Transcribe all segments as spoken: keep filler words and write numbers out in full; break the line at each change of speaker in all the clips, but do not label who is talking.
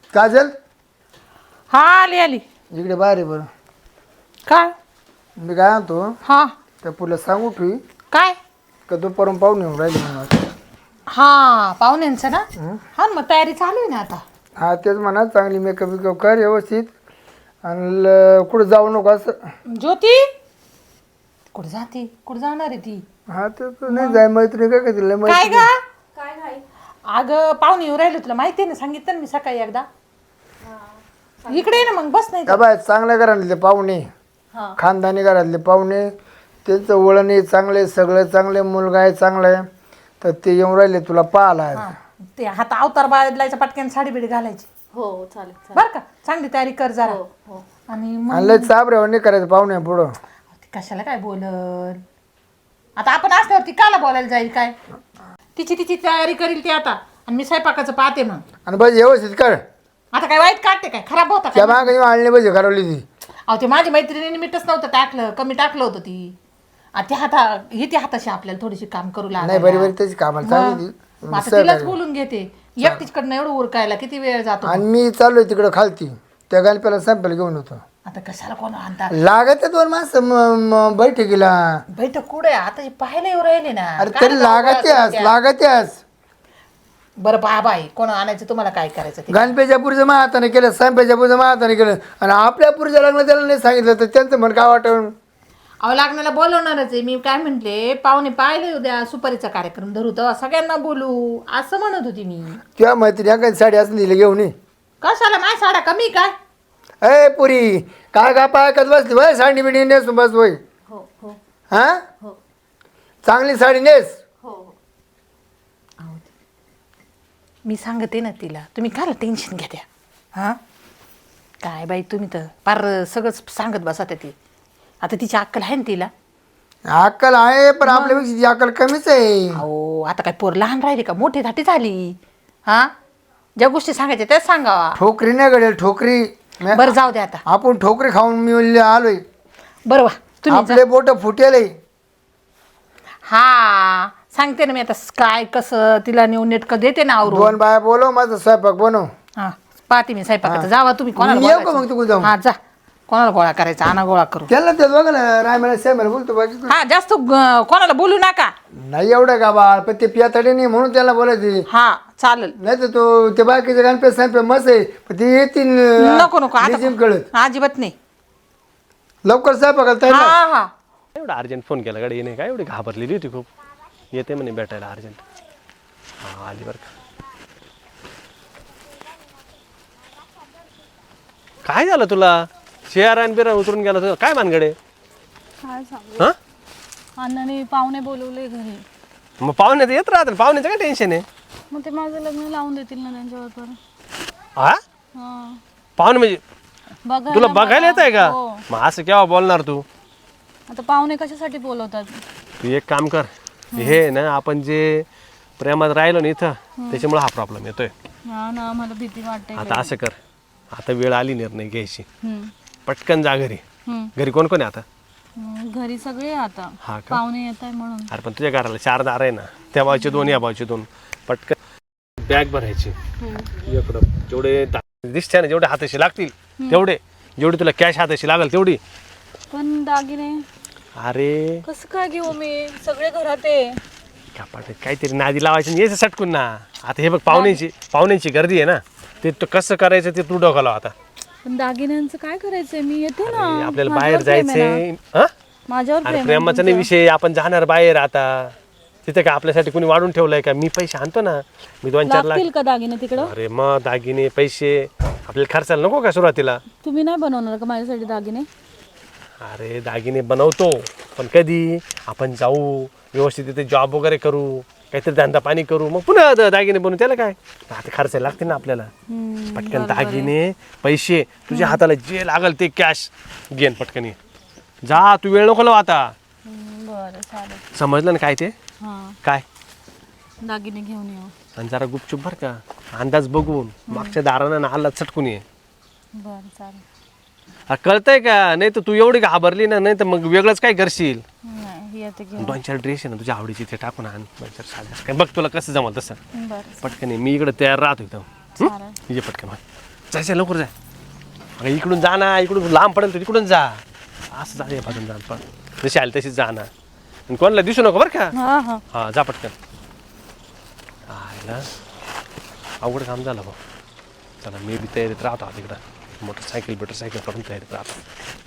काजल
हा आली आली.
इकडे बाहेर आहे बरं.
काय?
मी काय आणतो
हा
त्या पुला सांगू ठेवी
काय?
का दुपारून पाहून येऊन राहिले म्हणून.
हा पाहुण्यांचं ना. हा ना, मग तयारी चालू आहे ना आता.
हा तेच म्हणा, चांगली मेकअप बिकअप कर व्यवस्थित आणि ल- कुठं जाऊ नको असं.
ज्योती कुठे जाते? कुठे जाणार आहे ती?
हा ते तर नाही जाय मैत्री काय का तिला
काय
मैत्री.
ग? काय काय? अगं पाहुणे येऊ राहिले, तुला माहिती आहे ना, सांगितलं ना मी सकाळी एकदा. इकडे ये ना, मग बस नाही
का बाय चांगल्या घरातले पाहुणे, खानदानी घरातले पाहुणे, त्यांचं वळण आहे चांगले, सगळं चांगले, मुलगा आहे चांगला आहे, तर ते येऊन राहिले तुला पाहायला.
हा, ते हात अवतार बाळायचा पटक्यान साडी बिडी घालायची.
हो चालेल चालेल.
बर का, चांगली तयारी कर जरा.
हो.
आणि मग
आणि लय चाबऱ्यावर नाही करायचं पाहुणे पुढं.
ती कशाला काय बोलल? आता आपण असल्यावरती काला बोलायला जाईल काय? तिची तिची तयारी करील ती आता, आणि मी स्वयंपाकाचं पाहते मग.
आणि बस व्यवस्थित कर.
आता काय वाईट काढते काय? खराब होता
त्या
काय?
मागे आणले पाहिजे घरवली ती.
अहो ते माझी मैत्रिणीने मीठच नव्हतं टाकलं, कमी टाकलं होतं ती. आणि ती हाता ही ती हाताशी आपल्याला थोडीशी काम करू
नाही
लागली.
बरी बरी त्याची कामाला चांगली ती.
आता तिलाच बोलून घेते. एकटीकडनं एवढं उरकायला किती वेळ जातो.
आणि मी चाललोय तिकडं खालती त्या गणप्याला सॅम्पल घेऊन होतो.
आता कशाला कोण आणता?
लागत दोन माणसं म- म- बैठकीला.
बैठक कुठे? आता हे पाहायला येऊ राहिले ना.
अरे
काय
तरी
नाव
लागत
गोळा
यास
करत्या?
लागत यास.
बरं बाबा आहे, कोण आणायचं तुम्हाला काय करायचं ते?
गणपेच्या पुरीचं मा हाताने केलं, सॅम्पेच्या पुरीचं मा हाताने केलं, आणि आपल्या पुरीच्या लग्न त्याला नाही सांगितलं तर त्यांचं म्हण काय वाटून.
अहो लागण्याला बोलवणारच आहे मी. काय म्हंटले, पाहुणे पाहिले उद्या सुपारीचा कार्यक्रम धरू तर सगळ्यांना बोलू असं म्हणत होती मी.
किंवा मैत्रिणी काही साडी असं दिली घेऊन ये.
कशाला माझ्या साड्या कमी काय?
अय पुरी काय का पायकत बसली वय साडी बिडी नेस बस वय.
हो हो
हा
हो
चांगली साडी नेस.
हो हो.
मी सांगते ना तिला, तुम्ही काय टेन्शन घ्या त्या. हां काय बाई, तुम्ही तर पार सगळंच सांगत बसा त्या. ती आता तिची अक्कल आहे ना तिला.
अक्कल आहे पण आपल्यापेक्षा ती अक्कल कमीच आहे.
अहो आता काय पोर लहान राहिली का, मोठी धाटी झाली. हां ज्या गोष्टी सांगायच्या त्याच सांगावा.
ठोकरी नाही घडेल ठोकरी.
बरं जाऊ द्या आता.
आपण ठोकरी खाऊन मी आलोय.
बरं वा तुम्ही जा.
आपले बोट फुटेल.
हा सांगते ना मी आता काय कसं तिला नेऊन नेटकं देते ना आवरून.
दोन बाया बोलव, माझा स्वयंपाक बनव.
हा पाहते मी स्वयंपाकाचं. जावा तुम्ही. कोणाला
मी येऊ का
बोलायचं?
मग तिकडे जाऊ?
हा जा, कोणाला गोळा करायचा आणा गोळा करू.
त्याला ते बघा ना रायमाला साहेबाला बोलतो बाकी
हा जास्त ग- कोणाला बोलू नका.
नाही एवढं का बाळ, पण ते पियातडे नाही म्हणून त्याला बोलायचे.
हा चालेल.
नाही तर तो ते बाकीचे गणपती साहेब मस्त आहे पण ते येतील
नको नको
लिजिम कळत.
आता अजिबात नाही.
लवकर स्वयंपाकाला तयार
हा
राहा.
हा
एवढा अर्जंट फोन केला गाडी येणे काय एवढी घाबरलेली होती खूप. येते म्हणे भेटायला अर्जंट. हा आली बरं का. काय झालं तुला? शेअर बिरा उतरून गेला तुझा काय मानगडे?
काय सांगू,
हा
अण्णाने पाहुणे बोलवले घरी.
मग पाहुण्याचं येत राहतं, पाहुण्याचं काय टेन्शन आहे?
मग ते माझं लग्न लावून देतील ना त्यांच्यावर.
हा
हा
पाहुणे म्हणजे
बघा
तुला बघायला येत आहे का?
हो.
मग असं केव्हा बोलणार तू?
आता पाहुणे कशासाठी बोलवतात?
तू एक काम कर, हे ना आपण जे प्रेमात राहिलो ना इथं त्याच्यामुळे हा प्रॉब्लेम येतोय.
हा ना, मला भीती वाटते.
आता असं कर, आता वेळ आली निर्णय घ्यायची.
हम्म,
पटकन जा घरी.
हम्म.
घरी कोण कोण आहे आता?
हम्म, घरी सगळे आता
हा का?
पाहुणे येत आहे म्हणून.
अरे पण तुझ्या घराला चार दार आहे ना, त्या बाजूचे दोन या बाजूचे दोन. पटकन बॅग भरायची इकडं. जेवढे दा- दिसते ना, जेवढे हाताशी लागतील तेवढे, जेवढी तुला कॅश हाताशी लागेल तेवढी.
पण दागिने
अरे
कसं काय घेऊ मी? सगळे घरात आहे.
कापाट काहीतरी नादी लावायची आणि यायचं सटकून ना. आता हे बघ पाहुण्याची पाहुण्याची गर्दी आहे ना, ते तू कसं करायचं ते तू डोका लाव आता.
पण दागिन्यांचं काय करायचंय? मी येते ना.
अरे, आपल्याला
माझ्यावर
बाहेर
प्रेम आहे
जायचंय.
ना.
हा
माझ्यावर
अरे
प्रेम आहे
प्रेमाचा नाही
तुमचं.
विषय, आपण जाणार बाहेर आता. तिथे का आपल्यासाठी कोणी वाढून ठेवलंय का? मी पैसे आणतो ना, मी दोन चार लाख.
लागतील का दागिने तिकडं?
अरे मग दागिने पैसे आपल्याला खर्चायला नको का सुरुवातीला?
तुम्ही नाही बनवणार का माझ्यासाठी दागिने?
अरे दागिने बनवतो, पण कधी आपण जाऊ व्यवस्थित तिथे जॉब वगैरे करू, काहीतरी धंदा पाणी करू, मग पुन्हा द- दागिने बनवू. त्याला काय आता खर्चायला लागतील ना आपल्याला.
हम्म,
पटकन दागिने पैसे तुझ्या हाताला जे लागल ते कॅश घेन पटकन ये. जा, तू वेळ नको लावू आता.
हम्म, बरं चालेल.
समजलं ना काय ते?
हां,
काय
दागिने घेऊन येऊ.
आणि जरा गुपचूप बर का, अंदाज बघून मागच्या दारानं ना हल्ला चटकून ये.
बरं चालेल.
हा, कळतंय का? नाही तर तू एवढी घाबरली ना, नाही तर मग वेगळंच काय करशील.
नाही येते घेऊन.
दोन चार ड्रेस आहे ना तुझ्या आवडीची ते टाकून आण. दोन चार साड्या काय बघ तुला कसं जमल तसं.
बरं
पटकन ये, मी इकडे तयार राहतो एकदम.
चालेल.
ये पटकन. जायचं लवकर जाय. अगं इकडून जा ना, इकडून लांब पडेल तर तिकडून जा. असं जा या बाजून जा पण जशी आली तशीच जा ना. आणि कोणाला दिसू नको बरं का.
हा हा
हा जा पटकन. आयला अवघड काम झालं भाऊ. चला मी बी तयारीत राहतो आता तिकडं. मोटरसायकल बिटरसायकल करून तयारीत राहतो.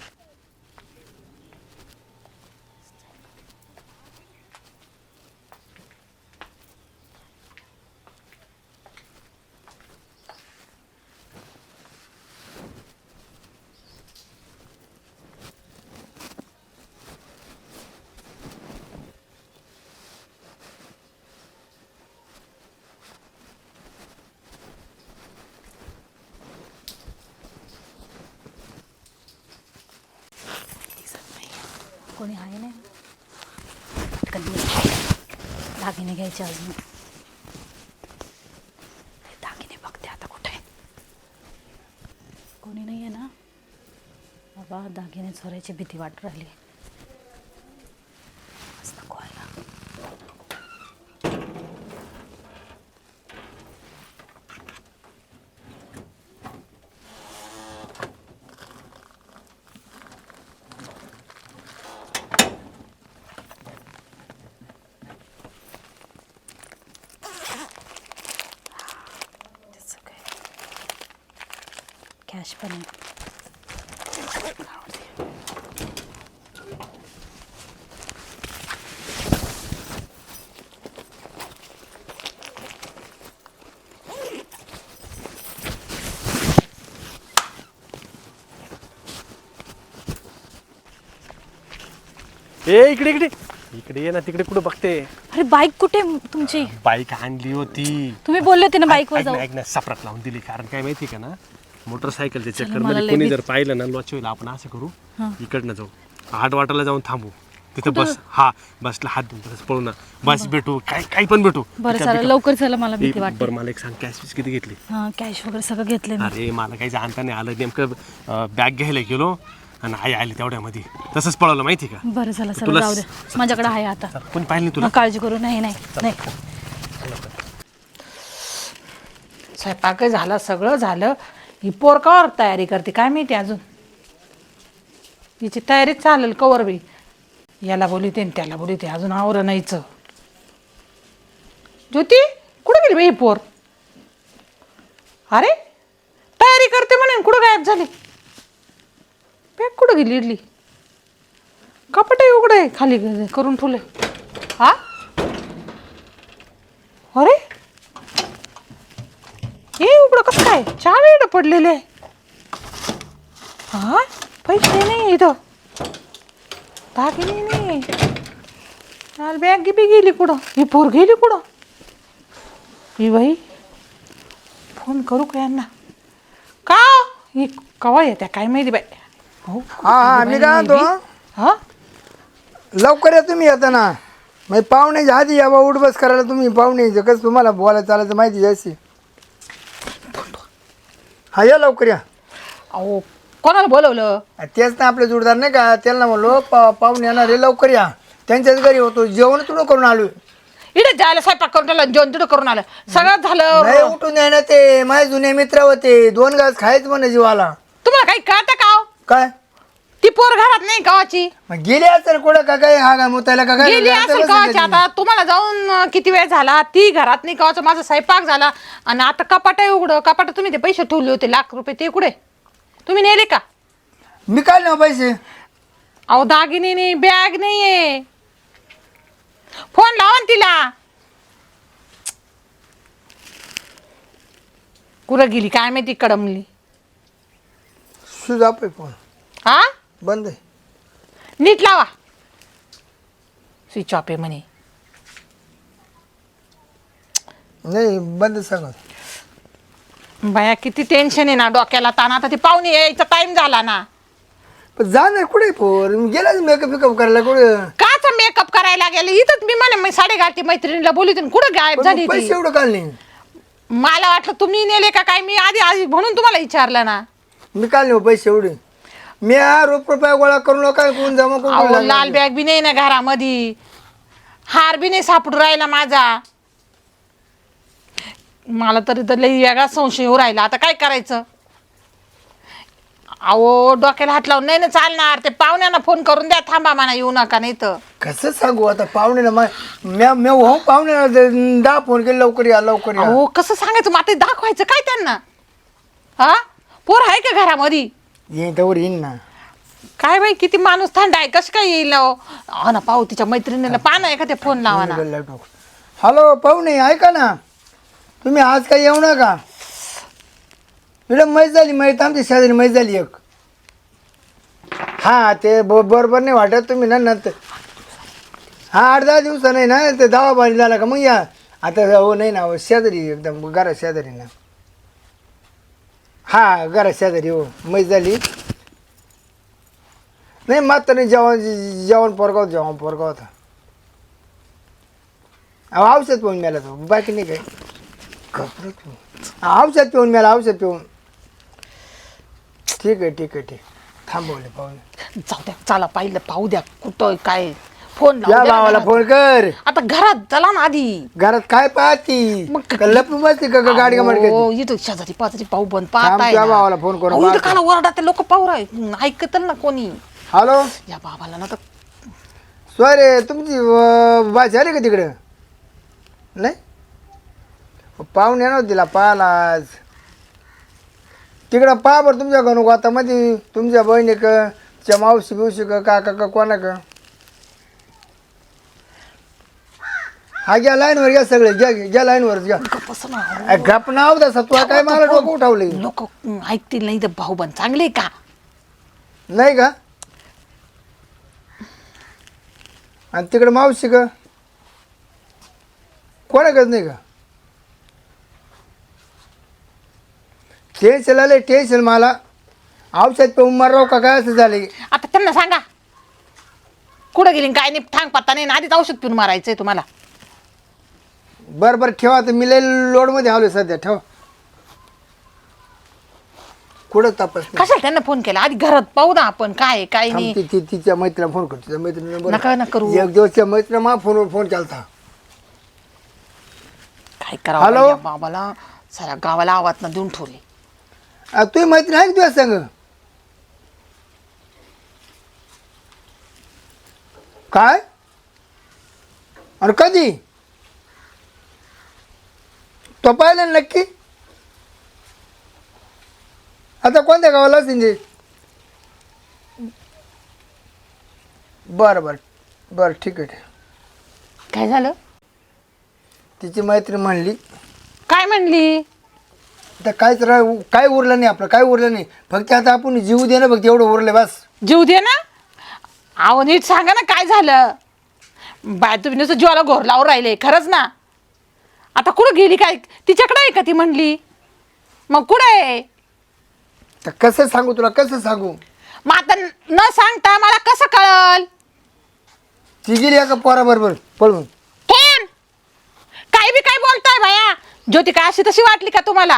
कोणी आहे नाही कधी दागिने घ्यायचे अजून. दागिने बघते आता कुठे. कोणी नाही आहे ना बाबा. दागिने चोरायची भीती वाटू राहिली. आज नको व्हायला. कॅश पण आहे.
ए इकडे इकडे इकडे ये ना. तिकडे कुठं बघते.
अरे बाईक कुठे तुमची.
बाईक आणली होती.
तुम्ही बोलले होते ना बाईकवर
ऐक ना,
जाऊ.
ऐक ना सपरात लावून दिली. कारण काय माहिती का ना मोटरसायकलच्या चक्कर
मला
मध्ये
लय
कोणी
भीत-
जर पाहिलं ना लॉच होईल. आपण असं करू इकडनं जाऊ आठ वाटाला जाऊन थांबू तिथं बस. हा बसला हात धुवून तसंच पळू ना. बस भेटू काय काही पण भेटू.
बरं
पिकअप-
चला
पिकअप.
लवकर चला. मला
ए,
भीती वाटते.
बरं मला एक सांग कॅश पीस किती घेतली.
हा कॅश वगैरे सगळं घेतलंय मी.
अरे मला काही जाणता नाही आलं. नेमकं बॅग घ्यायला गेलो आणि आई आली तेवढ्यामध्ये तसंच पळवलं माहिती का.
बरं चला चला
तुला
जाऊ दे. माझ्याकडे आहे आता.
चल, कोणी पाहिलं नाही तुला.
मग काळजी करू. नाही नाही नाही.
स्वयंपाक झाला सगळं झालं. ही पोर कवर तयारी करते काय माहिती अजून. हिची तयारीच चालेल कवर बी. याला बोलते आणि त्याला बोलते अजून आवर नाहीच. ज्योती कुठे गेली बाई ही पोर. अरे तयारी करते म्हणून कुठं गायब झाली. बॅग कुठं गेली इडली. कपाटही उघडे खाली करून ठेवले. हा अरे हे उघडं कसं काय. चार वेळ पडलेले. हा पैसे नाही इथं. दागिने नाही. चाल बॅग बी गेली कुठं. ही पोर गेली कुठं. ही बाई फोन करू का यांना. का ही कवा येत्या काय माहिती बाई. हो
हा हा मी काय म्हणतो
हा
लवकर या तुम्ही येता ना. मग पाहुण्याच्या आधी या बा उठ बस करायला तुम्ही. पाहुणे कसं तुम्हाला बोलायला चालायचं माहिती जायची. हा या लवकर या.
अहो कोणाला बोलवलं.
तेच ना आपले जोडदार नाही का त्यांना म्हणलो पा पाहुणे येणार रे लवकर या. त्यांच्याच घरी होतो जेवण तुला करून आलो.
इथे जायला स्वयंपाक करून आलं जेवण तिथं करून आलं सगळं
नाही
झालं.
उठून द्या ना. ते माझे जुने मित्र होते. दोन घास खायच म्हणे जीवाला.
तुम्हाला काही कळतं का हो?
काय
ती पोर घरात नाही गावाची.
मग गेली असेल कुठं का काय हा काय मुतायला का काय
गेली असेल गावाची. आता तुम्हाला जाऊन अं, किती वेळ झाला. ती घरात नाही गावाचा. माझा स्वयंपाक झाला आणि आता कपाट आहे उघडं. कपाट तुम्ही ते पैसे ठेवले होते लाख रुपये ते कुठे तुम्ही नेले का.
मी काय ना पैसे.
अहो दागिने नाही बॅग नाहीये. फोन लावा ना तिला. कुठं गेली काय माहिती कडमली.
सुज आप फोन
हा
बंद आहे.
नीट लावा. स्विच ऑफ आहे म्हणे.
नाही बंद सांगा.
बाया किती टेन्शन आहे ना डोक्याला ताण. आता ती पाहुणे यायचा टाइम झाला ना.
पण जाणार कुठे पोर गेला मेकअप बिकअप करायला कुठं.
काचा मेकअप करायला गेले इथंच. मी म्हणे मी साडे घालते मैत्रिणीला बोलते कुठं गायब
पण
झाली
मग पैसे
ती.
एवढं काल नाही.
मला वाटलं तुम्ही नेले का काय. मी आधी आधी म्हणून तुम्हाला विचारलं ना.
मी काल नाही पैसे एवढे. मी हा रोप रुपया गोळा करून काय कोण जमा
अहो
करून
लाल बॅग बी नाही ना घरामध्ये. हार बी नाही सापडून राहिला माझा. मला तरी तर लई वेगळा संशय होऊ राहिला. आता काय करायचं. अहो डोक्याला हात लावून नाही ना चालणार. ते पाहुण्यांना फोन करून द्या, थांबा म्हणा येऊ नका नाही तर.
कसं सांगू आता पाहुणे म्या म्या हो पाहुणे दहा फोन केले लवकर या लवकर या.
अहो कसं सांगायचं मग आता दाखवायचं काय त्यांना? हा पोर आहे का घरामध्ये?
येईन तर येईन ना.
काय बाई किती माणूस थंड आहे, कसं काय येईल हो? हा ना पाहू तिच्या मैत्रिणीला पाहा एका ते फोन लावा ना.
हॅलो पाहुणे ऐका ना, तुम्ही आज काही येऊ नका. इकडं मैच झाली, मैत आमची शेजारी मैच झाली एक. हा ते ब बरोबर नाही वाटत तुम्ही ना नंतर. हा आठ दहा दिवसा नाही ना ते दवा पाणी झाला का मग या. आता हो नाही ना हो शेजारी एकदम घरा शेजारी ना. हा घरा शेजारी हो मैच झाली. नाही मात्र नाही जेवण जेवण पोरगा होतं जेवण पोरगा होता. अहो औषध पिऊन मिळाला तो बाकी नाही काय. औषध पिऊन मिळाला औषध पिऊन. ठीक आहे ठीक आहे ठीक थांबवले पाहुणे.
जाऊ द्या चला पाहिलं पाहू द्या कुठं काय. फोन
या
लावू द्या ना
भावाला
घरात.
फोन कर.
आता घरात चला ना आधी.
घरात काय पाहती
मग
का लपून बसती का का गाडी गमट
हो इथं शेजारी पाजारी पाहू बंद
थांब,
पाहताय
त्या
ना.
भावाला फोन करून
अहो, इथं
पाहतो.
खाला ओरडा ते लोक पाहू राहिले ऐकत ना कोणी.
हॅलो
या बाबाला ना तर
सॉरी तुमची अं, भाषा आली का तिकडं? नाही पाहुणे ना तिला पाहिला आज तिकडं पहा बरं तुमच्या घरून आता मध्ये तुमच्या बहिणी का च्या मावशी बिवशी का काका का कोणा का. हा घ्या लाईनवर घ्या सगळे घ्या घ्या लाईनवर घ्या.
कसं ना
अ, गप नाव तसा तुला काय मला डोकं उठवले
लोक ऐकतील नाही तर भाऊ बंद चांगले का?
नाही का? आणि तिकडे मावशी का कोणाकच नाही का? टेन्शन आले टेन्शन मला. औषध पिऊन माराव का काय असं झाले.
आता त्यांना सांगा कुठं गेली काय नाही थांग पत्ता नाही आधीच औषध पिऊन मारायचंय तुम्हाला.
बरं बरं ठेवा तर मी लय लोडमध्ये आलो सध्या ठेवा. कुठं तपास नाही.
कशाला त्यांना फोन केला आधी घरात पाहू ना आपण काय आहे, काय
थांब,
नाही.
ती- ती- तिच्या मैत्रीला फोन करतो तिच्या मैत्रिणीला
नका ना करू.
एक दिवसच्या मैत्रीला मा फोनवर फोन केलता.
काय करावं
हॅलो?
बाई या बाबाला साऱ्या गावाला आवाज ना देऊन ठेवले.
आ, तुझी मैत्रीण आहे का तुझ्या संग? काय आणि कधी तो पाहिलं ना नक्की? आता कोणत्या गावाला सिंजे? बरं बरं बरं ठीक आहे.
काय झालं?
तिची मैत्रीण म्हणली
काय म्हणली?
तर काहीच रा काय उरलं नाही आपलं काय उरलं नाही फक्त आता आपण जीव दे ना फक्त एवढं उरलं बस.
जीव दे ना. अहो नीट सांगा ना काय झालं. बाय तुम्ही नुसतं जीवाला घोर लावून राहिले खरंच ना. आता कुठं गेली काय तिच्याकडे आहे का ती म्हणली? मग कुठं आहे?
तर कसं सांगू तुला कसं सांगू?
मग आता न सांगता मला कसं कळल?
ती गेली एका पोराबरोबर पळून.
थेन काय बी काय बोलताय बाया? ज्योती काय अशी तशी वाटली का तुम्हाला?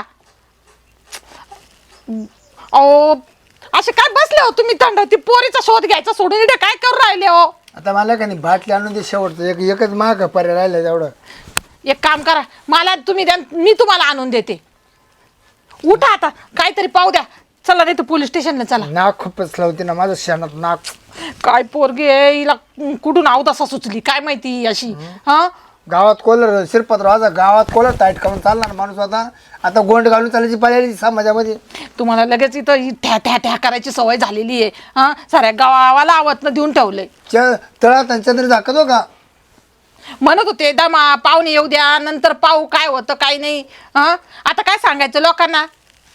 अहो असे काय बसले हो तुम्ही थंड ती पोरीचा शोध घ्यायचा सोडून इथे काय करू राहिले हो?
आता मला का नाही बाटली आणून दे शेवटचं एक एकच महाग पर्याय राहिला तेवढं.
एक काम करा मला तुम्ही द्या मी तुम्हाला आणून देते. उठा आता काहीतरी पाहू द्या. चला नाही तर पोलीस स्टेशनला चला.
नाक खूपच लावते ना माझं शेणात नाक.
काय पोरगी आहे हिला कुठून आव तसा सुचली काय माहिती अशी. हा
गावात कोलर शिरपत्र माझा गावात कोलर टाईट करून चालणार माणूस होता. आता गोंड घालून चालायची पाहिजे समाजामध्ये. तुम्हाला
लगेच इथं ही ठ्या ठ्या ठ्या करायची सवय झालेली आहे. हा साऱ्या गावाला आवतनं देऊन ठेवलंय.
तळात आणि चंद्र दाखवतो का
म्हणत होते दमा पाहुणे येऊ द्या नंतर पाहू काय होतं काय नाही. हा आता काय सांगायचं लोकांना?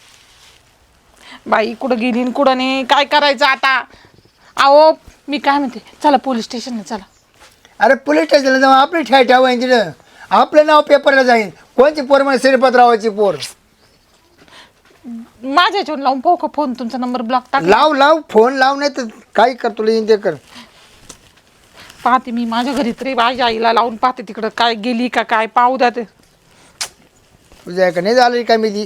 बाई कुठं गेली न कुठं नाही काय करायचं आता? अहो मी काय म्हणते चला पोलीस स्टेशनला चला.
अरे पोलीस स्टेशनला जाऊन आपली ठ्या ठेवा तिथं आपलं नाव पेपरला जाईन. कोणची पोर म्हणजे श्रीपतरावाची पोर.
माझ्या ह्याच्यावर लावून पाहू का फोन? तुमचा नंबर ब्लॉक टाक.
लाव लाव फोन लाव नाही तर काही कर तुला येईन ते कर.
पाहते मी माझ्या घरी तरी माझ्या आईला लावून पाहते तिकडं काय गेली का काय पाहू द्या ते.
तुझ्या का नाही झालं काय मी ती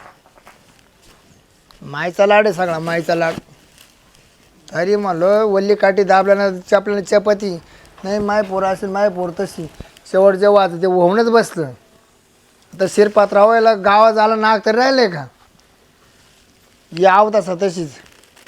मायचा लाड आहे सगळा मायचा लाड. अरे म्हणलं वल्ली काठी दाबला ना चापल्यानं चपाती नाही माय पोर असेल माय पोर तशी शेवट जेव्हा आता ते होऊनच बसलं. तर शिरपात राहायला गावात झाला नाक तर राहिलंय का? याव तसा तशीच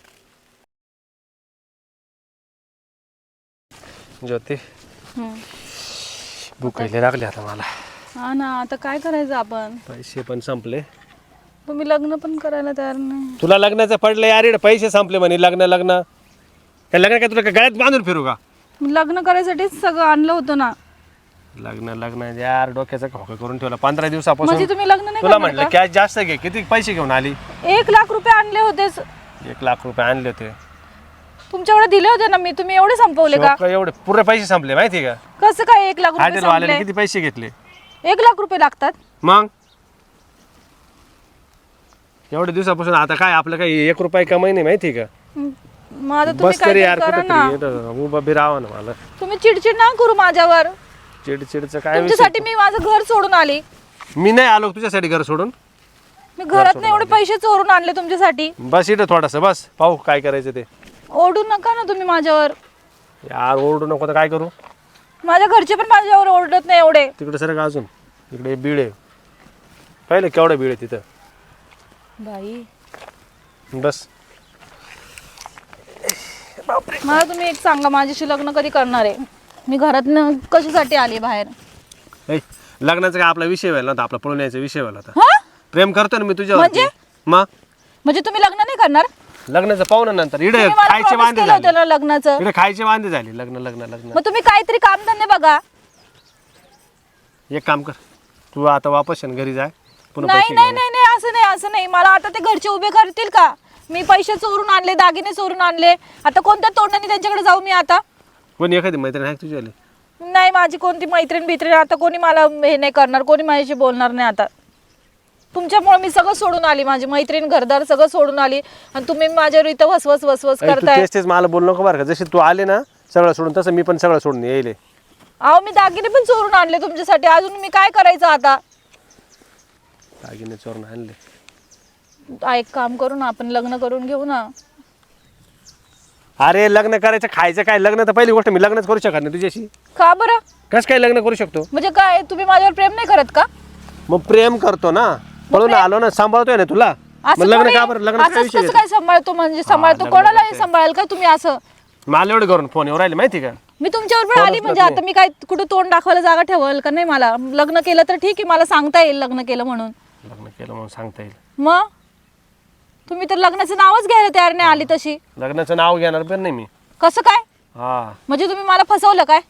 ज्योती
हम्म.
भुकायला लागले आता मला.
हा ना, आता काय करायचं आपण?
पैसे पण संपले.
तुम्ही लग्न पण करायला तयार नाही.
तुला लग्नाचं पडलं यार, इकडे पैसे संपले म्हणे. लग्न लग्न त्या लग्न काय तुला काय गळ्यात बांधून फिरू का?
मी लग्न करायसाठीच सगळं आणलं होतं ना.
लग्न लग्न यार डोक्याचा खोका करून ठेवला पंधरा दिवसापासून.
म्हणजे तुम्ही लग्न नाही
तुला
करणार
म्हटलं
का?
कॅश जास्त घे. किती पैसे घेऊन आली?
एक लाख रुपये आणले होतेच.
एक लाख रुपये आणले होते.
तुमच्याकडे दिले होते ना मी, तुम्ही एवढे संपवले का?
शोक एवढे पुरे पैसे संपले माहिती का?
कसं काय एक लाख रुपये
हॉटेल वाल्याने
संपले?
किती पैसे घेतले?
एक लाख रुपये लागतात?
मग एवढ्या दिवसापासून आता काय आपलं काही एक रुपये कमाई नाही माहिती का?
मग आता तुम्ही
बस
काय
तरी यार
करा ना.
कुठेतरी उभा बी राहावं ना मला.
तुम्ही चिडचिड ना करू माझ्यावर.
चिडचिडचं काय विषय?
तुमच्यासाठी मी माझं घर सोडून आली.
मी नाही आलो तुझ्यासाठी घर सोडून.
मी घरात एवढे पैसे चोरून आणले तुमच्यासाठी.
बस इथं थोडस बस पाहू काय करायचं ते.
ओरडू नका ना तुम्ही माझ्यावर.
यार ओरडू नको तर काय करू?
माझ्या घरचे पण माझ्यावर ओरडत नाही एवढे.
तिकडे सर का अजून इकडे बीड आहे. पाहिलं केवढं बीड आहे तिथं.
बाई
बस
मला तुम्ही एक सांगा, माझ्याशी लग्न कधी करणार आहे? मी घरात कशासाठी आली बाहेर?
ऐ, लग्नाचा काय आपला विषय व्हायला होता, आपला पळून यायचा विषय व्हायला होता.
हा?
प्रेम करतो ना मी तुझ्यावर.
म्हणजे?
मग
म्हणजे तुम्ही लग्न नाही करणार?
लग्नाचं पाहून नंतर इकडे
तुम्ही मला
खायचे
promise
वांदे
केलं होतं
झाले.
ना लग्नाचं.
इकडे खायचे वांदे झाले. लग्न लग्न लग्न
मग तुम्ही काहीतरी कामधंदे बघा.
एक काम कर, तू आता वापस ये घरी जाय. पुन्हा
नाही
पैसे
नाही
घेऊन
नाही नाही असं नाही असं नाही. मला आता ते घरचे उभे करतील का? मी पैसे चोरून आणले, दागिने चोरून आणले. आता कोणत्या तोंडाने त्यांच्याकडे जाऊ मी आता?
कोणी एखादी मैत्रीण आहे तुझी आली?
नाही, माझी कोणती मैत्रीण बित्रीण आता कोणी मला हे नाही करणार, कोणी माझ्याशी बोलणार नाही आता. तुमच्यामुळे मी सगळं सोडून आली, माझी मैत्रीण घरदार सगळं सोडून आली आणि तुम्ही माझ्यावर इथं वसवस वसवस
ऐ, तू
करताय.
तेच तेच मला बोल नको बरं का. जशी तू आले ना सगळं सोडून, तसं मी पण सगळं सोडून येईल.
अहो मी दागिने पण चोरून आणले तुमच्यासाठी. अजून मी काय करायचं आता?
दागिने चोरून आणले.
आ, एक काम करू ना, आपण लग्न करून घेऊ ना.
अरे लग्न करायचं खायचं काय? लग्न तर पहिली गोष्ट मी लग्नच करू शकत नाही तुझ्याशी.
का बरं?
कसं काय लग्न करू शकतो?
म्हणजे काय तुम्ही माझ्यावर प्रेम नाही करत का?
मग प्रेम करतो ना, पळून आलो ना, सांभाळतोय ना तुला.
असं
मग लग्न
कोणी-
का बरं? लग्न
असंच
काय विषय
कसं काय सांभाळतो? म्हणजे सांभाळतो कोणालाही सांभाळेल का तुम्ही असं?
मला एवढं करून फोन येऊ राहिले माहिती का?
मी तुमच्यावर पण आली म्हणजे आता मी काय कुठं तोंड दाखवायला जागा ठेवाल का नाही? मला लग्न केलं तर ठीक आहे, मला सांगता येईल लग्न केलं म्हणून.
लग्न केलं म्हणून सांगता येईल.
मग तुम्ही तर लग्नाचं नावच घ्यायला तयार नाही आली तशी.
लग्नाचं नाव घेणार पण नाही मी.
कसं काय?
हा,
म्हणजे तुम्ही मला फसवलं काय?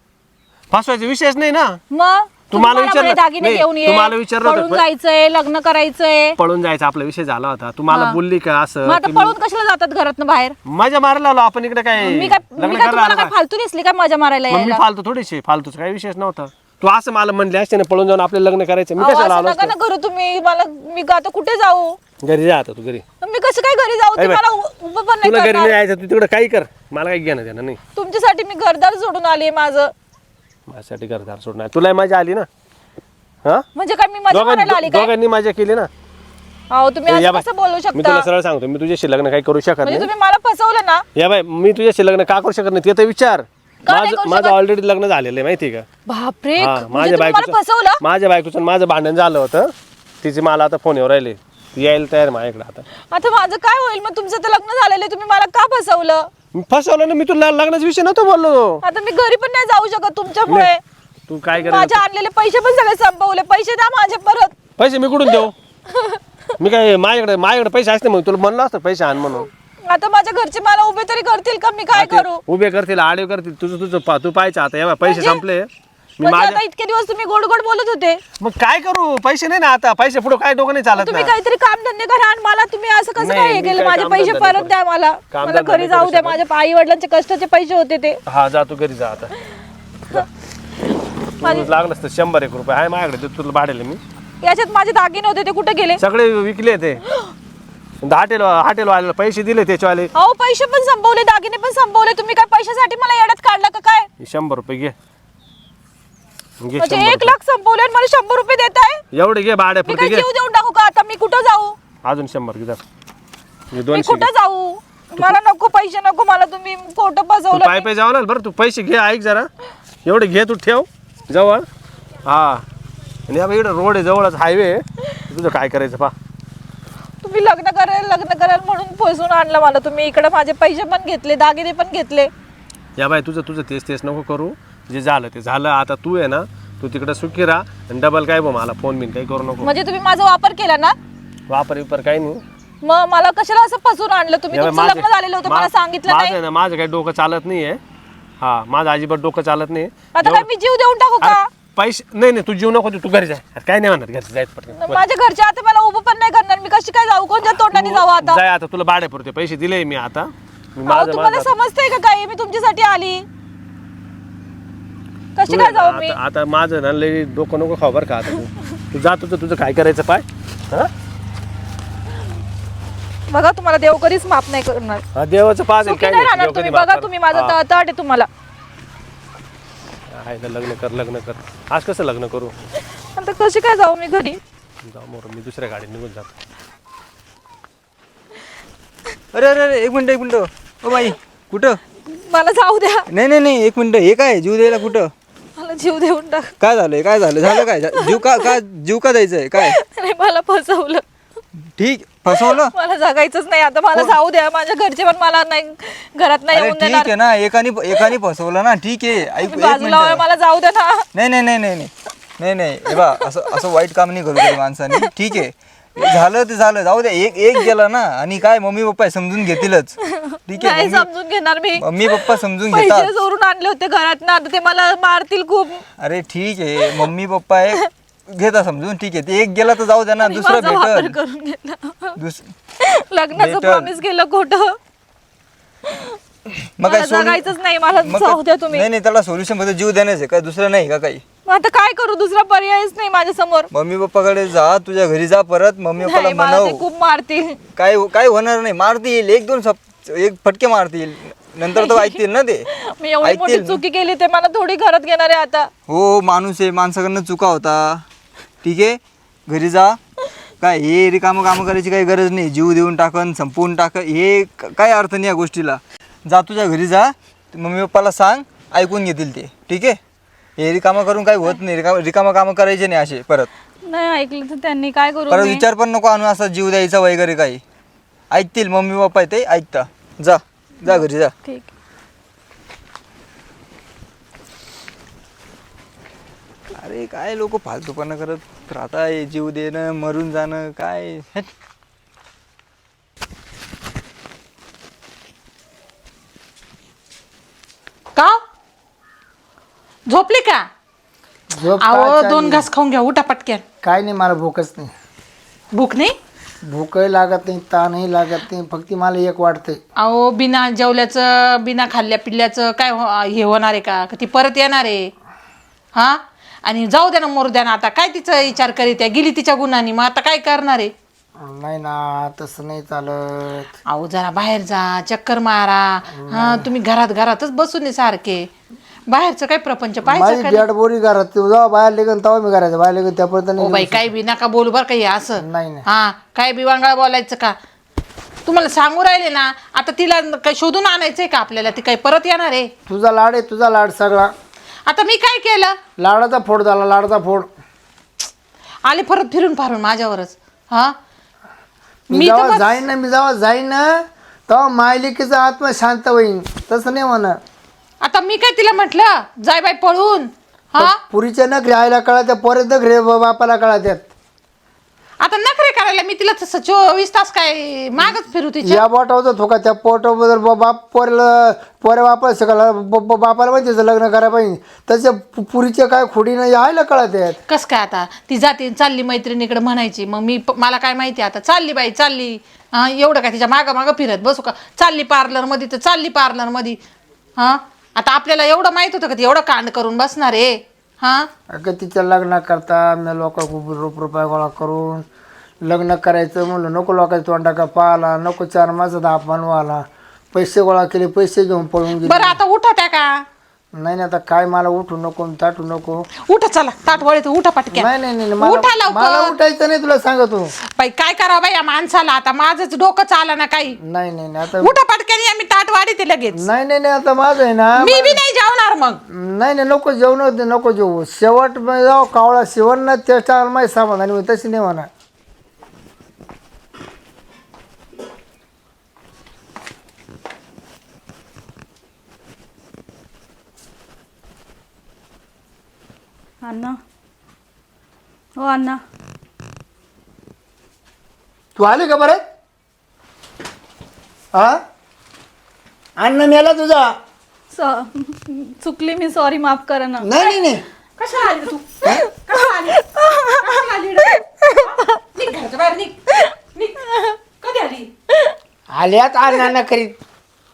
फसवायचा विषयच नाही ना.
मग तुम्ही
तुम्हाला
मला
विचारलं-
म्हणे दागिने
नाही,
घेऊन ये,
तुम्हाला विचारलं होतं,
पळून
पण-
जायचंय, लग्न करायचंय.
पळून जायचा आपला विषय झाला होता. तू मला
हा.
बोलली का असं
मग आता
की
पळून कशाला जातात घरातनं बाहेर?
मजा मारायला आलो आपण इकडे काय
मी काय
लग्न
मी काय
करायला
तुम्हाला
आलो
काय
का?
फालतू दिसली काय मजा मारायला
मग मी
यायला?
फालतू थोडीशी, फालतूच काही विषयच नव्हता. तू असं मला म्हणले असते ना पळून जाऊन आपलं लग्न करायचं, मी
अहो,
कशाला
असं
आलो
नका
असतो?
ना करू तुम्ही मला. मी का आता कुठे जाऊ?
घरी जा आता तू घरी.
मी कसं काय घरी जाऊ?
अरे
ते
बाई,
मला उ- उभं पण नाही
तुला घरी नाही
करणार.
यायचं, तू तिकडे काही कर, मला काही घेणं देणं नाही.
तुमच्यासाठी मी घरदार सोडून आली माझं.
माझ्यासाठी घरदार सोडणार. तुला मजा आली ना? हा,
म्हणजे काय मी मजा मारायला आली
दोघांनी
काय?
दोघांनी मजा केली ना.
अहो तुम्ही
या
असं
बाई,
कसं बोलू
मी
शकता?
तुला सरळ सांगतो, मी तुझ्याशी लग्न काही करू शकत
म्हणजे
नाही.
तुम्ही मला फसवलं ना?
या बाई, मी तुझ्याशी लग्न का करू शकत नाही ते तर विचार.
का नाही
माझं
करू
माझं
शकत?
ऑलरेडी लग्न झालेलं आहे माहिती आहे का?
बापरे,
हा,
म्हणजे
माझ्या
तुम्ही मला
बायकोचं
फसवलं?
माझ्या बायकोचं आणि माझं भांडण झालं होतं. तिचे मला आता फोन येऊ राहिले, ती यायला तयार आहे माझ्याकडे आता.
आता माझं काय होईल मग? तुमचं तर लग्न झालेलं आहे, तुम्ही मला का फसवलं?
मी फसवलं ना, मी तुला लग्नाचा विषय नव्हतो बोललो.
आता मी घरी पण नाही जाऊ शकत तुमच्यामुळे.
तू काय
माझे
करायचं?
आणलेले पैसे पण सगळे संपवले. पैसे द्या माझे परत.
पैसे मी कुठून देऊ? मी काय माझ्याकडे माझ्याकडे पैसे असते मग तुला म्हणलं असतं पैसे आण म्हणून.
आता माझ्या घरचे मला उभे तरी करतील का? मी काय करू?
उभे करतील, आडे करतील, तुझं तुझं पा तू पाहायचं आता. या बाई, पैसे संपले. मी
म्हणजे
माझ्या
आता इतके दिवस तुम्ही गोड गोड बोलत होते.
मग काय करू? पैसे नाही ना आता. पैसे पुढे काय डोकं नाही चालत
तुम्ही
ना.
काहीतरी काम धंदे करा आणि मला तुम्ही असं कसं
नाही,
काय हे
मी
केलं?
काय
माझे पैसे
कामधंदे
परत द्या मला.
कामधंदे
मला घरी
नाही
जाऊ
करू
द्या.
शकत.
माझ्या आई वडिलांचे कष्टाचे पैसे होते ते.
हा, जा तू घरी जा आता.
माझे-
लागलं तर शंभर एक रुपये आहे माझ्याकडे, ते तुला भाडेल मी.
याच्यात माझे दागिने होते ते कुठे गेले?
सगळे विकले ते. हॉटेल हॉटेल वाल्याला पैसे दिले त्याच्यावाले.
अहो पैसे पण संपवले, दागिने पण संपवले. तुम्ही काय पैशासाठी मला येड्यात काढला का काय?
शंभर रुपये घे घे
म्हणजे
शंभर
एक लाख संपवले आणि मला शंभर रुपये देताय?
रुपये. एवढे घे भाड्या
मी
पुरते
काय
घे.
जीव देऊन टाकू का आता? मी कुठं जाऊ?
अजून शंभर घे जा. हे
मी
दोनशे घे.
कुठं जाऊ? मला नको पैसे, नको मला. तुम्ही खोटं
तू
फसवलं.
पाय पाय जावं लागेल बरं. तू पैसे घे, ऐक जरा. एवढे घे, तू ठेव जवळ. हा, आणि या इकडे रोड आहे जवळच, हायवे. तुझं काय करायचं पा.
तुम्ही लग्न कराल लग्न कराल म्हणून फसवून आणलं मला तुम्ही. इकडे माझे पैसे पण घेतले, दागिने पण घेतले.
या बाय तुझं तुझं तेच तेच नको करू, जे झालं ते झालं. आता तू आहे ना, तू तिकडे सुखी राहा आणि डबल काय बघ मला फोन बिन काही करू नको.
म्हणजे तुम्ही माझा वापर केला ना?
वापर विपर काही नाही.
मग मला कशाला असं फसवून आणलं तुम्ही?
या बाई,
तुमचं लग्न झालेलं होतं, मला सांगितलं
माझं
नाही.
आहे ना, माझं काही डोकं चालत नाहीये. हा, माझं अजिबात डोकं चालत नाही.
आता काय मी जीव देऊन टाकू का?
अरे, पैसे नाही नाही, तू जीव नको देऊ, तू घरी जाय. अरे, काय नाही म्हणणार, घरी जायचं पटकन.
माझ्या घरचे आता मला उभं पण नाही करणार. मी कशी काय जाऊ? कोणत्या तोंडाने जाऊ आता?
जाय आता, तुला भाडे पुरते पैसे दिले मी आता. मी
अहो,
माझं
तुम्हाला
माझं
समजतंय का काही? मी तुमच्यासाठी आली. कशी
तू
काय जाऊ मी?
आता आता माझं ना लई डोकं नको खाऊ बरं का. आता तू तू जात होतं, तुझं काय करायचं पाय. हा
बघा, तुम्हाला देव कधीच माफ नाही करणार.
हा, देवाचं पाच
सुखी नाही राहणार तुम्ही. बघा तुम्ही, माझा तळतळ आहे तुम्हाला.
लग्न कर लग्न कर. आज कसं लग्न करू?
आता कशी काय जाऊ मी घरी?
जाऊ मोर, मी दुसऱ्या गाडीत निघून जातो.
अरे अरे अरे एक मिनिट एक मिनिट. ओ बाई कुठं?
मला जाऊ द्या.
नाही नाही नाही एक मिनिट. हे काय जीव द्यायला कुठं?
मला जीव देऊन टाक.
काय झालंय काय झालं झालं काय जीव का का जीव का द्यायचंय काय?
नाही, मला फसवलं.
ठीक फसवलं.
मला जगायचंच नाही आता. मला जाऊ द्या. माझ्या घरचे पण मला नाही, घरात नाही
अरे
येऊन
ठीक
देणार.
आहे ना, एकाने एकाने फसवलं ना, ठीक आहे. ऐक
तुम्ही
एक
बाजूला वळा,
मिनिट.
मला जाऊ द्या ना.
नाही नाही नाही नाही नाही नाही नाही हे बा, असं असं वाईट काम नाही करू कधी माणसाने. ठीक आहे, झालं ते झालं, जाऊ द्या. एक एक गेला ना, आणि काय मम्मी पप्पा समजून घेतीलच. ठीक आहे,
नाही
मम्मी
समजून घेणार मी.
मम्मी पप्पा समजून घेतात.
पैसे चोरून आणले होते घरात ना, आता ते मला मारतील खूप.
अरे ठीक आहे, मम्मी पप्पा आहे घेता समजून. ठीक आहे, ते एक गेला तर जाऊ द्या ना, दुसरा
माझा वापर
भेटल.
करून घेतला.
दुस
लग्नाचं
भेटल.
प्रॉमिस केलं खोटं.
मग
मला
काय सोलू-
जगायचंच नाही. मला
मग
जाऊ द्या
काय-
तुम्ही.
नाही नाही, त्याला सोल्युशन मध्ये जीव देण्याचं आहे, काय दुसरं नाही का काही?
मग आता काय करू? दुसरा पर्यायच नाही माझ्या समोर.
मम्मी पप्पाकडे जा, तुझ्या घरी जा परत. मम्मी पप्पाला
नाही, मला ते
म्हणाव
खूप मारतील.
काय काय होणार नाही, मारतील एक दोन सप एक फटके मारतील, नंतर तर ऐकतील ना ते.
मी एवढी मोठी
ऐकतील.
चुकी केली, ते मला थोडी घरात घेणार आहे आता.
हो माणूस आहे, माणसाकडनं चुका होता. ठीक आहे, घरी जा. काय हे रिकामं कामं करायची काही गरज नाही. जीव देऊन टाकन, संपवून टाक, हे क- काय अर्थ नाही या गोष्टीला. जा तुझ्या घरी जा, मम्मी पप्पाला सांग, ऐकून घेतील ते. ठीक आहे, हे रिकामं करून काही होत नाही. रिकाम रिकामं कामं करायचे नाही असे परत.
नाही ऐकलं तर त्यांनी काय करू
परत
मी?
विचार पण नको आणू असा जीव द्यायचा वगैरे काही. ऐकतील मम्मी पप्पा आहे ते ऐकता. जा जा घरी जा.
ठीक.
अरे काय लोक फालतूपणा करत राहता, जीव देणं मरून जाणं काय. हेट.
का झोपली का?
झोप
अहो
काय
दोन
चालली?
घास खाऊन घ्या, उठा पटक्यान.
काय नाही, मला भूकच नाही.
भूक नाही?
भूकही लागत नाही, ताणही लागत नाही. फक्त मला एक वाटतंय,
अहो बिना जेवल्याचं बिना खाल्ल्या पिल्ल्याचं काय हो- हे होणार आहे का? का ती परत येणार आहे? हा, आणि जाऊ द्या ना मरू द्या ना. आता काय तिचा विचार करीत आहे? गेली तिच्या गुणांनी, मग आता काय करणार आहे?
नाही ना, तसं नाही चालत.
अहो जरा बाहेर जा, चक्कर मारा. हा, तुम्ही घरात घरातच बसून आहे सारखे. बाहेरचं काय प्रपंच
माझी
पाहायचं का?
बॅट बोरी घरात, तू जेव्हा बाहेर लेगन तेव्हा मी करायचं, बाहेर लेगन त्यापर्यंत
ओ
नाही.
बाई काय बी नका बोलू बरं काही असं.
नाही नाही.
हा, काय बी वांगळा बोलायचं का? तुम्हाला सांगू राहिले ना, आता तिला काय शोधून आणायचंय का आपल्याला? ती काय परत येणार आहे?
तुझा लाड आहे, तुझा लाड सगळा.
आता मी काय केलं?
लाडाचा फोड झाला, लाडाचा फोड.
आले परत फिरून फारून माझ्यावरच. हा,
मी
मी तर
जेव्हा
बस-
जाईन ना, मी जेव्हा जाईन ना, तेव्हा मायलिकेचा आत्मा शांत होईन. तसं नाही म्हणा.
आता मी काय तिला म्हटलं जाय बाई पळून? हा,
पुरीच्या नखरे आईला कळत्या, पोरे नखरे बापाला कळत्यात.
आता नखरे करायला मी तिला तसं चोवीस तास काय मागच फिरू तिच्या?
या बोटावर थोका त्या पोटाबद्दल बाप पोरेला पोरे बापाला शिकायला ब- ब- बापाला माहिती त्याचं लग्न करायला पाहिजे. तसे पु- पुरीच्या काय खोडीनं यायला कळत आहेत.
कस काय आता ती जाते चालली मैत्रिणीकडे म्हणायची, मग मी प- मला काय माहिती आता चालली बाई चालली. हा, एवढं काय तिच्या मागं मागं फिरत बसू का? चालली पार्लर मध्ये तर चालली पार्लर मध्ये. हा, आता आपल्याला एवढं माहित होतं का ती एवढं कांड करून बसणार आहे? हा,
अगं तिच्या लग्न करता मी लोक खूप रुप रुपये गोळा करून लग्न करायचं म्हणलं, नको लोकांच्या तोंडा का पाहिला, नको चार माणसाचा अपमान व्हायला. पैसे गोळा केले, पैसे घेऊन पळून गेले.
बरं आता उठा त्या का?
नाही नाही, आता काय मला उठू नको ताटू नको.
उठा चला, ताट वळीत उठा पटक्या.
नाही नाही नाही,
उठा
मला मला
लवकर.
उठायचं नाही, तुला सांगतो.
बाई काय करावं बाई या माणसाला? आता माझंच डोकं चाला ना काही.
नाही नाही नाही, आता
उठा पटक्याने, आम्ही ताट वाढी ते लगेच.
नाही नाही नाही, आता माझं आहे ना.
मी बी नाही जेवणार मग.
नाही नाही, नको जेवण होते, नको जेवू. शेवट जाऊ कावळा शिवण ना, त्याच्या माहिती समाधानी होईल. तशी नाही म्हणा.
अण्णा हो अण्णा
तू आली का बरं? हा अन्न मेला तुझा.
स- चुकली मी, सॉरी, माफ करा ना.
नाही नाही नाही
कशा आली तू कशा आली कशा आली रे? हा? निघ घराच्या बाहेर निघ निघ. कधी आली?
आल्यात अण्णा करीत.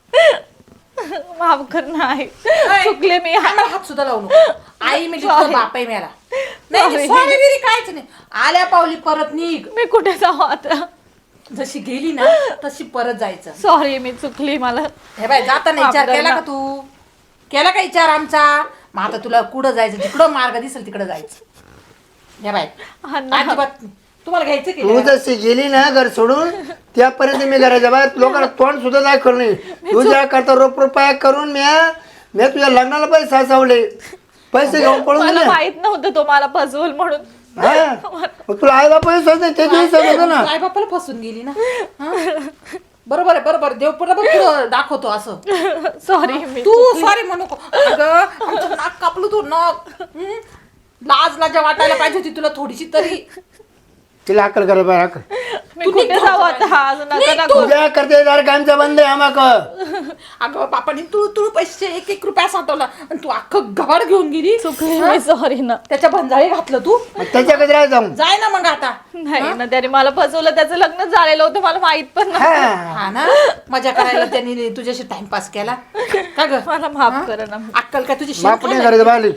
माफ कर ना आई,
ऐ,
चुकले मी.
मला हात सुद्धा लावू नको. आई म्हणजे तुझा बाप आहे मेला. नाही सॉरी बिरी काहीच नाही. आल्या पावली परत निघ.
मी कुठे जाऊ आता?
जशी गेली ना तशी परत जायचं.
सॉरी, मी चुकली. मला
हे बाय जाताना
माफ
विचार
कर
केला
ना.
का तू? केला का विचार आमचा? मग आता तुला कुठं जायचं, जिकडं मार्ग दिसेल तिकडं जायचं. हे बाय
अण्णा
अजिबात तुम्हाला घ्यायचं की
तू
नाही?
जशी गेली ना घर सोडून त्यापर्यंत मी घराच्या बाहेर लोकांना तोंड सुद्धा नाही करू नये. तुझ्या करता रोप रुपया करून मी मी तुझ्या लग्नाला पैसे साचवले, पैसे घेऊन पळून
मला
गेले.
माहित नव्हतं तो मला फसवल म्हणून.
हा? मग तुला आई बापा नाही ते दिवस होतं ना.
आई बापाला फसून गेली ना. हा? बरोबर आहे, बरोबर. देव बरोबर पुढं दाखवतो असं.
सॉरी, मी
तू सॉरी म्हणू नको. अगं आमचं नाक कापलं तू नाक. हं? लाज लाजा वाटायला पाहिजे होती तुला थोडीशी तरी.
तिला अक्कल करा बाहेर अक्कल.
मी
तू
कुठे
निघ
जाऊ
घराच्या
आता? आज नका ना करू.
तुझ्या करते दार कामचा बंद आहे आम्हाक.
अगं बापाने तुळू तुळू पैसे एक एक रुपया साठवला आणि तू अख्खं गबाड घेऊन गेली.
चुकली मी, सॉरी ना.
त्याच्या भंजाळी घातलं तू.
मग त्याच्याकडे राह जाऊन.
जाय ना मग आता.
नाही ना, त्याने मला फसवलं. त्याचं लग्न झालेलं होतं, मला माहित पण नाही.
हा.
हा ना, मजा करायला त्यांनी तुझ्याशी टाइमपास केला का ग?
मला माफ करा ना.
अक्कल काय तुझी
बाप नाही करायचं बाहेर.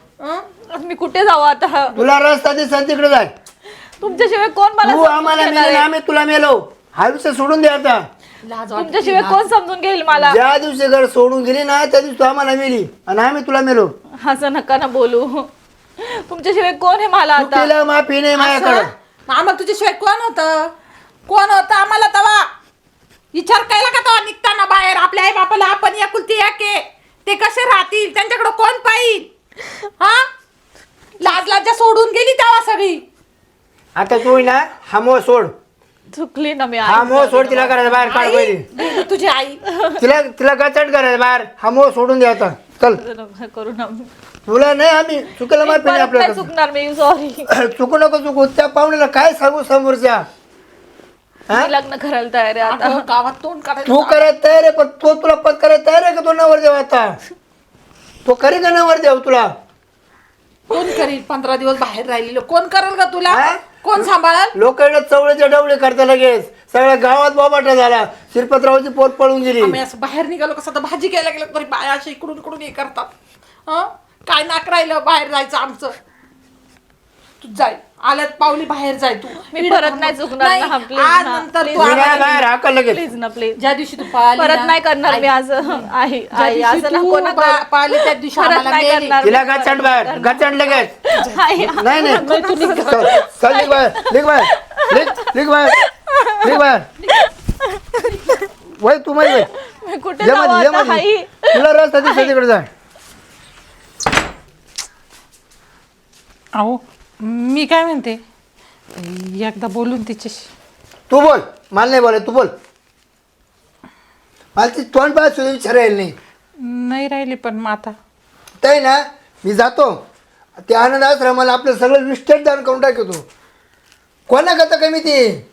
हं?
मी कुठे जाऊ आता?
तुला रस्ता दिसेल तिकडे जाय.
तुमच्याशिवाय कोण मला
तू
समजून
आम्हाला
घेणार
मेले
आहे?
आम्ही तुला मेलो. हा विषय सोडून दे आता.
लाज वाटते.
तुमच्याशिवाय कोण समजून घेईल मला?
ज्या दिवशी घर सोडून गेली ना त्या दिवशी तू आम्हाला मेली आणि आम्ही तुला मेलो.
असं नका ना बोलू. तुमच्याशिवाय कोण आहे मला आता?
चुकीला माफी नाही माझ्याकडं.
असं? आम्हाला तुझ्याशिवाय कोण होतं? कोण होतं आम्हाला तवा? विचार केला का तवा निघताना बाहेर? आपल्या आई बापाला आपण एकुलती एक आहे. ते कसे राहतील? त्यांच्याकडे कोण पाहिजे? हा, लाज लाजा सोडून गेली तेव्हा सगळी.
आता तू ना हा मोह सोड.
चुकली ना मी.
हा मोह सोड. तिला करायचं बाहेर काढ
आई,
पहिली.
गेली तुझी आई.
तिला तिला गचट करायचं बाहेर. हा मोह सोडून दे आता. चल.
आई करू ना.
तुला नाही आम्ही चुकीला माफी नाही
परत नाही
आपल्याला.
चुकणार मी, सॉरी.
चुकू नको चुकू. त्या पाहुण्याला काय सांगू समोरच्या? हा?
मी लग्न करायला तयार आहे आता.
अगं, गावात तोंड काढायला
तू करायला तयार आहे पण तो तुला पद करायला तयार आहे का? तो नवर देव आता तो करी का नवर देव तुला?
कोण करील? पंधरा दिवस बाहेर राहिलेलो कोण करेल का तुला?
हा?
कोण सांभाळल?
लोक चवळीचे डवळे करता लगेच. सगळ्या गावात बोबाटा झाला. शिरपतरावची पोट पळून गेली.
आम्ही असं बाहेर निघालो कसं तर भाजी घ्यायला गेलो तरी बाया असे इकडून इकडून हे करतात. हं? काय नाक राहिलं बाहेर जायचं आमचं? तू जाय, आल्यात पावली बाहेर जाय तू.
मी परत नाही चुकणार
नाही,
ना, please
आज
ना,
नंतर
please
तू
मी
ना.
नाही
आम्हाला-
बाहेर हाकल लगेच.
प्लीज ना, प्लीज.
ज्या दिवशी तू पळाली
परत
ना,
नाही करणार मी
आई-
आज. आई
ज्या
आई
दिवशी
असं
तू
नको ना
पा-
करू.
पळाली त्या दिवशी
परत
आम्हाला
नाही
मेली.
करणार.
तिला गचंड बाहेर गचंड लगेच.
आई,
नाही नाही चल चल, निघ बाहेर निघ बाहेर निघ निघ बाहेर निघ बाहेर. वय तू मध्ये वय.
मी कुठे
ये
जाऊ
मध्ये ये
आता?
मध्ये.
आई,
तुला रस्ता दिसत तिकडे जाय.
अहो मी काय म्हणते, एकदा बोलून तिच्याशी.
तू बोल. मला नाही बोलाय. तू बोल. मला ती तोंड पाय सुद्धा विचारायला नाही.
नाही राहिली पण मग आता
ते ना मी जातो ते आनंद आश्रमाला आपलं सगळं विस्टेट दान करून टाकतो. कोणा करता कमी ती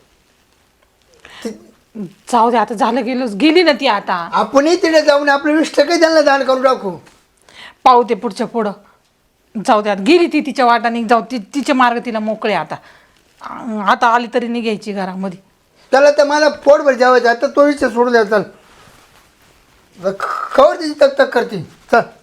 जाऊ दे, आता झालं गेलोच, गेली ना ती आता.
आपणही तिथे जाऊन आपलं विष्टकही त्यांना दान करून टाकू.
पाहू ते पुढच्या पुढं. जाऊ दे, आता गेली ती तिच्या वाटाने. जाऊ ती तिचे मार्ग तिला मोकळे आता. आ- आता आली तरी नाही घ्यायची घरामध्ये.
त्याला तर मला पोटभर जेवायचं. आता तो विषय सोडून द्या. चल खबर तिची तक तक करते. चल